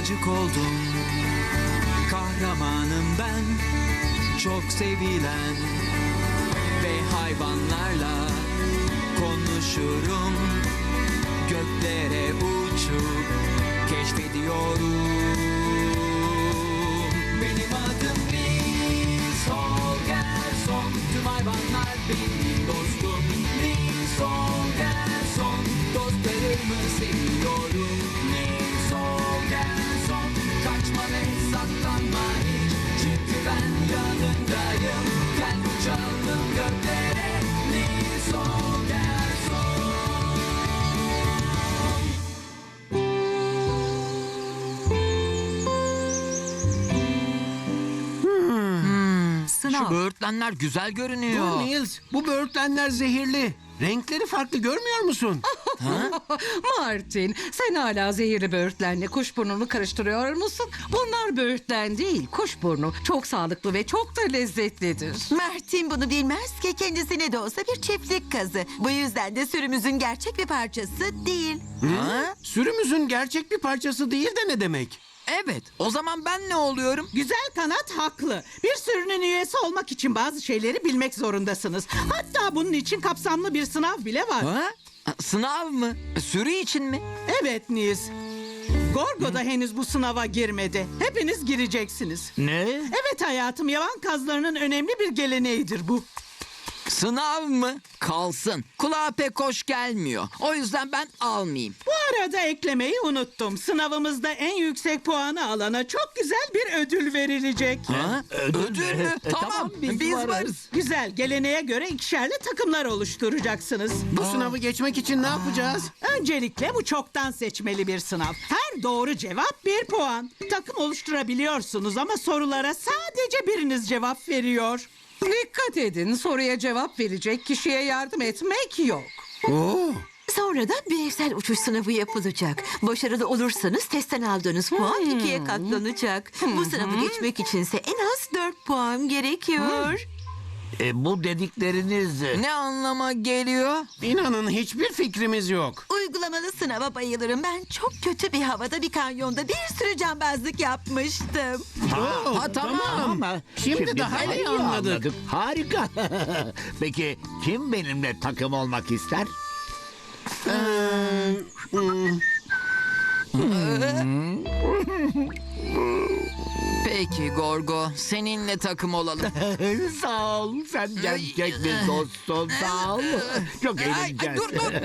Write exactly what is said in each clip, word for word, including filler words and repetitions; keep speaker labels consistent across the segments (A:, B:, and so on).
A: ayıcık oldum. Kahramanım ben, çok sevilen. Ve hayvanlarla konuşurum. Göklere uçup keşfediyorum. Benim adım Nils Holgersson. Tüm hayvanlar benim dostum. Nils Holgersson. Dostlarımı seviyorum. Nils Holgersson. Kaçma ve saklanma hiç. Çünkü ben yanındayım. Gel uçalım göklere. Nils Holgersson.
B: Şu böğürtlenler güzel görünüyor.
C: Dur Niels, bu böğürtlenler zehirli. Renkleri farklı, görmüyor musun?
D: Martin, sen hala zehirli böğürtlenle kuşburnunu karıştırıyor musun? Bunlar böğürtlen değil, kuşburnu. Çok sağlıklı ve çok da lezzetlidir.
E: Martin bunu bilmez ki, kendisine de olsa bir çiftlik kazı. Bu yüzden de sürümüzün gerçek bir parçası değil.
C: Ha? Sürümüzün gerçek bir parçası değil de ne demek?
B: Evet, o zaman ben ne oluyorum?
F: Güzel kanat haklı. Bir sürünün üyesi olmak için bazı şeyleri bilmek zorundasınız. Hatta bunun için kapsamlı bir sınav bile var.
B: Ha? Sınav mı? Sürü için mi?
F: Evet Niz. Gorgo da henüz bu sınava girmedi. Hepiniz gireceksiniz.
B: Ne?
F: Evet hayatım, yavan kazlarının önemli bir geleneğidir bu.
B: Sınav mı? Kalsın. Kulağa pek hoş gelmiyor. O yüzden ben almayayım.
F: Bu arada eklemeyi unuttum. Sınavımızda en yüksek puanı alana çok güzel bir ödül verilecek.
B: Ha? Ödül mü? Tamam, biz, varız.
F: Güzel, geleneğe göre ikişerli takımlar oluşturacaksınız.
C: Bu sınavı geçmek için ne yapacağız?
F: Öncelikle bu çoktan seçmeli bir sınav. Her doğru cevap bir puan. Takım oluşturabiliyorsunuz ama sorulara sadece biriniz cevap veriyor.
D: Dikkat edin, soruya cevap verecek kişiye yardım etmek yok.
C: Oo.
E: Sonra da bireysel uçuş sınavı yapılacak. Başarılı olursanız testten aldığınız puan ikiye katlanacak. Bu sınavı geçmek içinse en az dört puan gerekiyor.
G: E, bu dedikleriniz...
B: Ne anlama geliyor?
C: İnanın hiçbir fikrimiz yok.
E: Uygulamalı sınava bayılırım. Ben çok kötü bir havada bir kanyonda bir sürü cambazlık yapmıştım.
C: Oo,
B: ha, tamam.
G: Ama
C: Şimdi daha iyi anladık.
G: Harika. Peki kim benimle takım olmak ister?
B: Peki Gorgo, seninle takım olalım.
G: Sağ ol. Sen gerçek bir dostsun. Sağ ol. Çok
B: Ay, ay,
G: eğleneceğiz.
B: dur dur.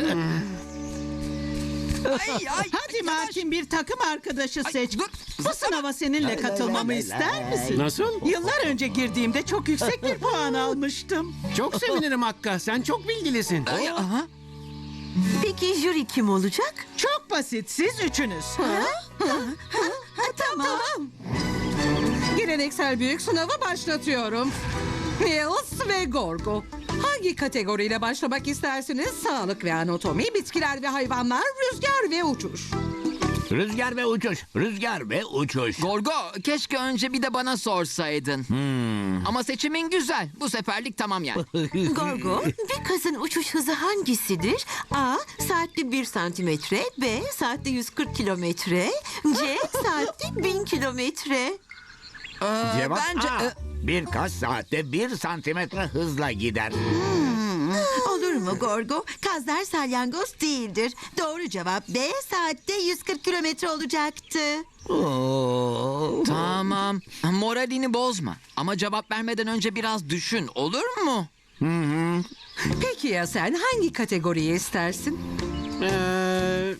B: Ay, ay,
F: Hadi Martin, bir takım arkadaşı
B: Ay,
F: seç.
B: dur.
F: Bu sınava seninle katılmamı ister misin?
C: Nasıl?
F: Yıllar önce girdiğimde çok yüksek bir puan almıştım.
C: Çok sevinirim Hakka. Sen çok bilgilisin.
B: Ay, aha.
E: Peki jüri kim olacak?
F: Çok basit, siz üçünüz.
E: Ha, tamam.
D: Geleneksel büyük sınavı başlatıyorum. Niels ve Gorgo. Hangi kategoriyle başlamak istersiniz? Sağlık ve anatomi, bitkiler ve hayvanlar, rüzgar ve uçuş.
G: Rüzgar ve uçuş. Rüzgar ve uçuş.
B: Gorgo, keşke önce bir de bana sorsaydın. Ama seçimin güzel. Bu seferlik tamam yani.
E: Gorgo, bir kazın uçuş hızı hangisidir? A. Saatte bir santimetre. B. Saatte yüz kırk kilometre. C. Saatte bin kilometre.
B: Ee,
G: Cevap
B: bence...
G: A.
B: e,
G: Birkaç saatte bir santimetre hızla gider.
E: Olur mu Gorgo? Kazlar salyangoz değildir. Doğru cevap B. Saatte yüz kırk kilometre olacaktı.
G: Oo.
B: Tamam. Moralini bozma. Ama cevap vermeden önce biraz düşün. Olur mu?
D: Peki ya sen hangi kategoriyi istersin?
C: Ee,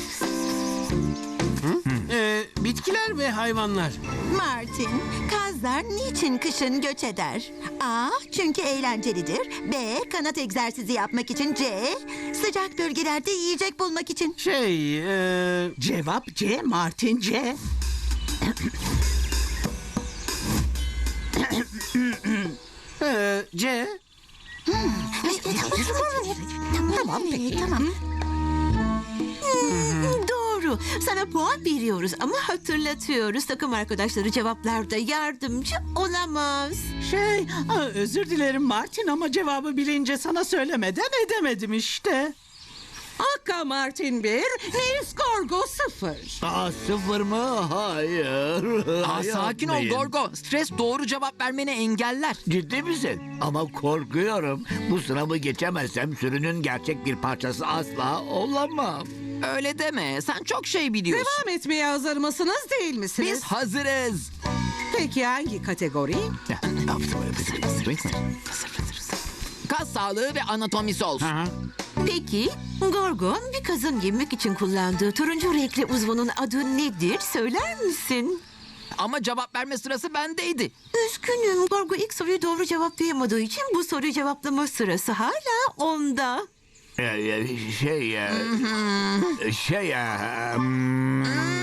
C: hı? Ee, bitkiler ve hayvanlar.
E: Martin, kazlar niçin kışın göç eder? A. Çünkü eğlencelidir. B. Kanat egzersizi yapmak için. C. Sıcak bölgelerde yiyecek bulmak için.
C: Şey, ee,
F: Cevap C, Martin C.
C: ee, C.
E: Tamam peki tamam. Hmm, doğru. Sana puan veriyoruz ama hatırlatıyoruz. Takım arkadaşları cevaplarda yardımcı olamaz.
F: Şey, aa, özür dilerim Martin ama cevabı bilince sana söylemeden edemedim işte.
D: Akka Martin bir, Nils Gorgo sıfır.
G: Aa, sıfır mı? Hayır.
B: Aa, sakin ol
G: Yapmayın.
B: Gorgo. Stres doğru cevap vermeni engeller.
G: Ciddi misin? Ama korkuyorum. Bu sınavı geçemezsem sürünün gerçek bir parçası asla olamam.
B: Öyle deme. Sen çok şey biliyorsun.
D: Devam etmeye hazır mısınız değil misiniz?
B: Biz hazırız.
D: Peki hangi kategori?
B: Kas sağlığı ve anatomisi olsun.
E: Peki, Gorgon bir kazın giymek için kullandığı turuncu renkli uzvunun adı nedir? Söyler misin?
B: Ama cevap verme sırası bendeydi.
E: Üzgünüm, Gorgo ilk soruyu doğru cevaplayamadığı için bu soruyu cevaplama sırası hala onda.
G: Ee, şey e, şey e, hmm,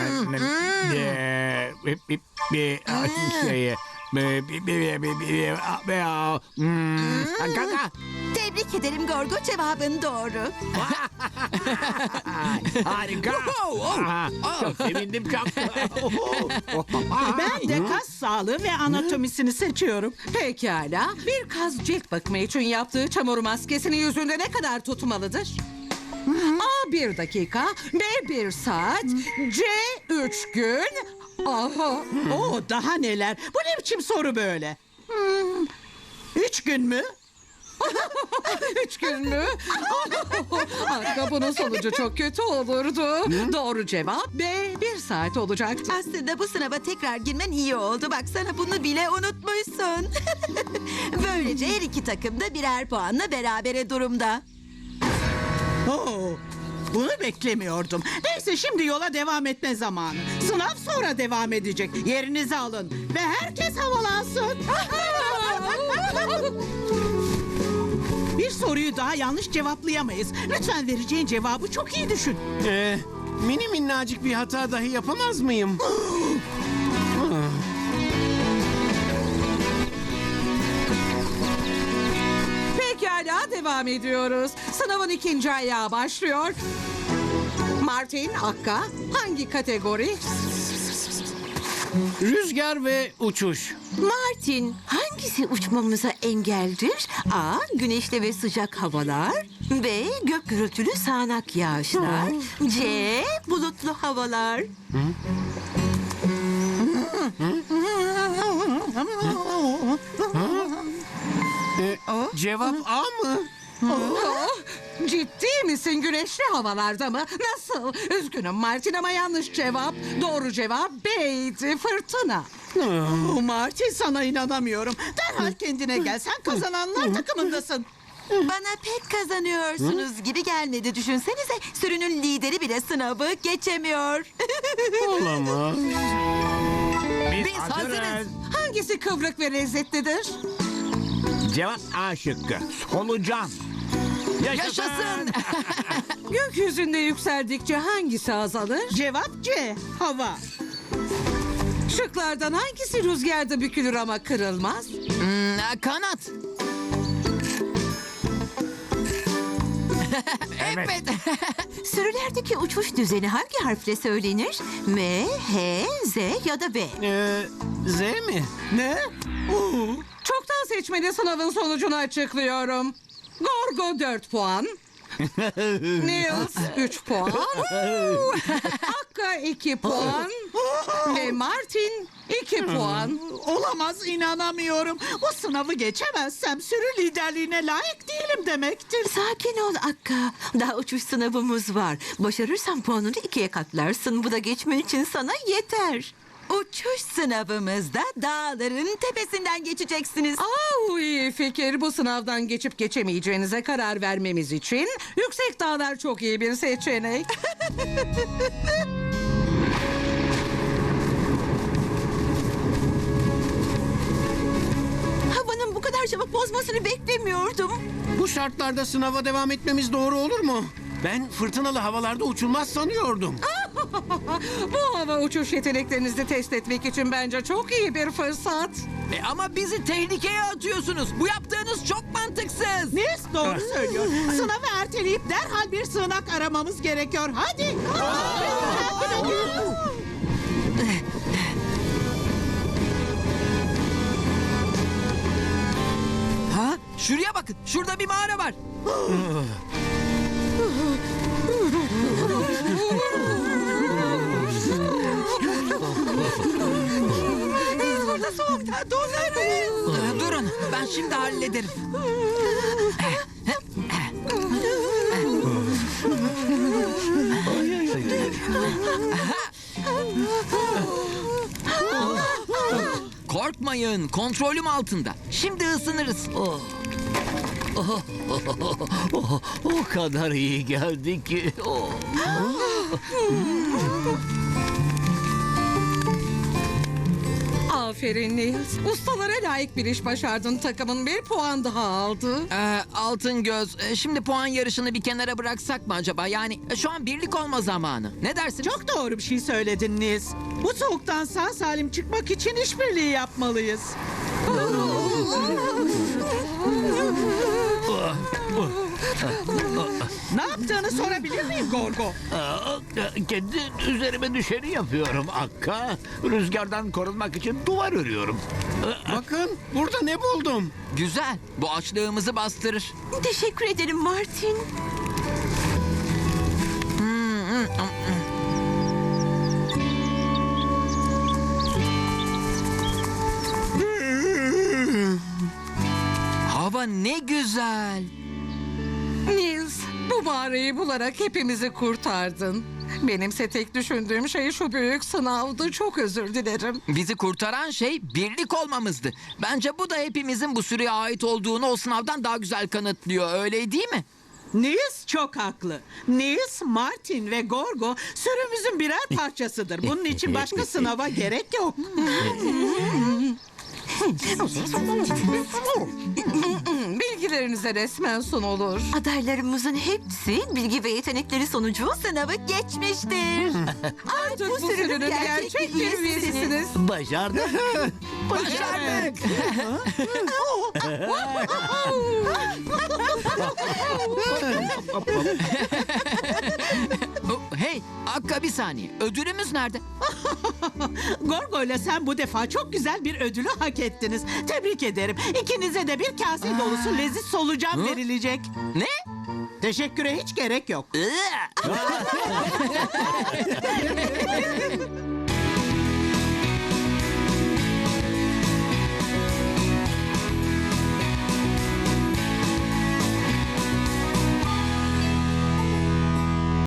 G: e, bir- bir- bir, şey e, bir- bir- bir- bir- bir- bir- hmm, kaka.
E: Tebrik ederim Gorgo, cevabın doğru.
G: Harika.
B: Wow, oh,
G: Aha,
B: oh.
G: Çok sevindim çok.
F: Ben de kas sağlığı ve anatomisini seçiyorum.
D: Pekala. Bir kaz cilt bakımı için yaptığı çamur maskesini yüzünde ne kadar tutmalıdır? A bir dakika, B bir saat, C üç gün. Aha.
F: Oo, daha neler? Bu ne biçim soru böyle? Hmm, Üç gün mü?
D: Üç gün mü? Hatta bunun sonucu çok kötü olurdu. Doğru cevap B bir saat olacaktı.
E: Aslında bu sınava tekrar girmen iyi oldu. Baksana bunu bile unutmuşsun. Böylece her iki takım da birer puanla berabere durumda.
F: Oo, bunu beklemiyordum. Neyse şimdi yola devam etme zamanı. Sınav sonra devam edecek. Yerinizi alın ve herkes havalansın. Bir soruyu daha yanlış cevaplayamayız. Lütfen vereceğin cevabı çok iyi düşün.
C: Ee, mini minnacık bir hata dahi yapamaz mıyım?
D: Pekala devam ediyoruz. Sınavın ikinci ayağı başlıyor. Martin, Akka hangi kategori?
C: Rüzgar ve uçuş.
E: Martin, hangisi uçmamıza engeldir? A. Güneşli ve sıcak havalar. B. Gök gürültülü sağanak yağışlar. C. Bulutlu havalar.
C: Ee, cevap A mı?
D: Oh, ciddi misin güneşli havalarda mı? Nasıl? Üzgünüm Martin ama yanlış cevap. Doğru cevap B'ydi, fırtına.
F: Oo, Martin, sana inanamıyorum. Derhal kendine gel. Sen kazananlar takımındasın.
E: Bana pek kazanıyorsunuz gibi gelmedi. Düşünsenize, sürünün lideri bile sınavı geçemiyor.
C: Olamaz.
B: Biz hazırız.
D: Hangisi kıvrık ve lezzetlidir?
G: Cevap A şıkkı. Solucan.
B: Yaşasın.
D: Gökyüzünde yükseldikçe hangisi azalır?
F: Cevap C. Hava.
D: Şıklardan hangisi rüzgarda bükülür ama kırılmaz?
B: Hmm, kanat. Evet.
E: Sürülerdeki uçuş düzeni hangi harfle söylenir? M, H, Z ya da B?
C: Ee, Z mi?
F: Ne? Oo.
D: Çoktan seçmeli sınavın sonucunu açıklıyorum. Gorgo dört puan. Nils üç puan. Akka iki puan. Ve Martin iki puan.
F: Olamaz, inanamıyorum. Bu sınavı geçemezsem sürü liderliğine layık değilim demektir.
E: Sakin ol Akka. Daha uçuş sınavımız var. Başarırsan puanını ikiye katlarsın. Bu da geçmen için sana yeter. Uçuş sınavımızda dağların tepesinden geçeceksiniz.
D: Aa, iyi fikir. Bu sınavdan geçip geçemeyeceğinize karar vermemiz için yüksek dağlar çok iyi bir seçenek.
E: Havanın bu kadar çabuk bozmasını beklemiyordum.
C: Bu şartlarda sınava devam etmemiz doğru olur mu? Ben fırtınalı havalarda uçulmaz sanıyordum.
D: Bu hava uçuş yeteneklerinizi test etmek için bence çok iyi bir fırsat.
B: E, ama bizi tehlikeye atıyorsunuz. Bu yaptığınız çok mantıksız.
F: Nils doğru söylüyor. Sınavı erteleyip derhal bir sığınak aramamız gerekiyor. Hadi.
B: Ha? Şuraya bakın. Şurada bir mağara var.
E: Biz burada soğukta donarız.
B: Ee, Durun, ben şimdi hallederim. Korkmayın, kontrolüm altında. Şimdi ısınırız.
G: O kadar iyi geldi ki. Oh.
D: Aferin Niels. Ustalara layık bir iş başardın. Takımın bir puan daha aldı.
B: Ee, Altın Göz, e, şimdi puan yarışını bir kenara bıraksak mı acaba? Yani e, şu an birlik olma zamanı. Ne dersin?
F: Çok doğru bir şey söyledin Nils. Bu soğuktan sağ salim çıkmak için işbirliği yapmalıyız. Ne yaptığını sorabilir miyim Gorgo?
G: Aa, Kendi üzerime düşeni yapıyorum Akka. Rüzgardan korunmak için duvar örüyorum.
C: Bakın burada ne buldum?
B: Güzel, bu açlığımızı bastırır.
E: Teşekkür ederim Martin.
B: Hava ne güzel.
D: Niels, bu mağarayı bularak hepimizi kurtardın. Benimse tek düşündüğüm şey şu büyük sınavdı. Çok özür dilerim.
B: Bizi kurtaran şey birlik olmamızdı. Bence bu da hepimizin bu sürüye ait olduğunu o sınavdan daha güzel kanıtlıyor. Öyle değil mi?
F: Nils çok haklı. Nils, Martin ve Gorgo sürümüzün birer parçasıdır. Bunun için başka sınava gerek yok.
D: Bilgilerinize resmen sunulur.
E: Adaylarımızın hepsi bilgi ve yetenekleri sonucu sınavı geçmiştir.
D: Artık bu sürünün gerçek bir üyesisiniz.
G: Başardık.
B: Başardık. Hey, Akka bir saniye. Ödülümüz nerede?
F: Gorgo ile sen bu defa çok güzel bir ödülü hak ettiniz. Tebrik ederim. İkinize de bir kase dolusu leziz solucan verilecek.
B: Ne?
F: Teşekküre hiç gerek yok.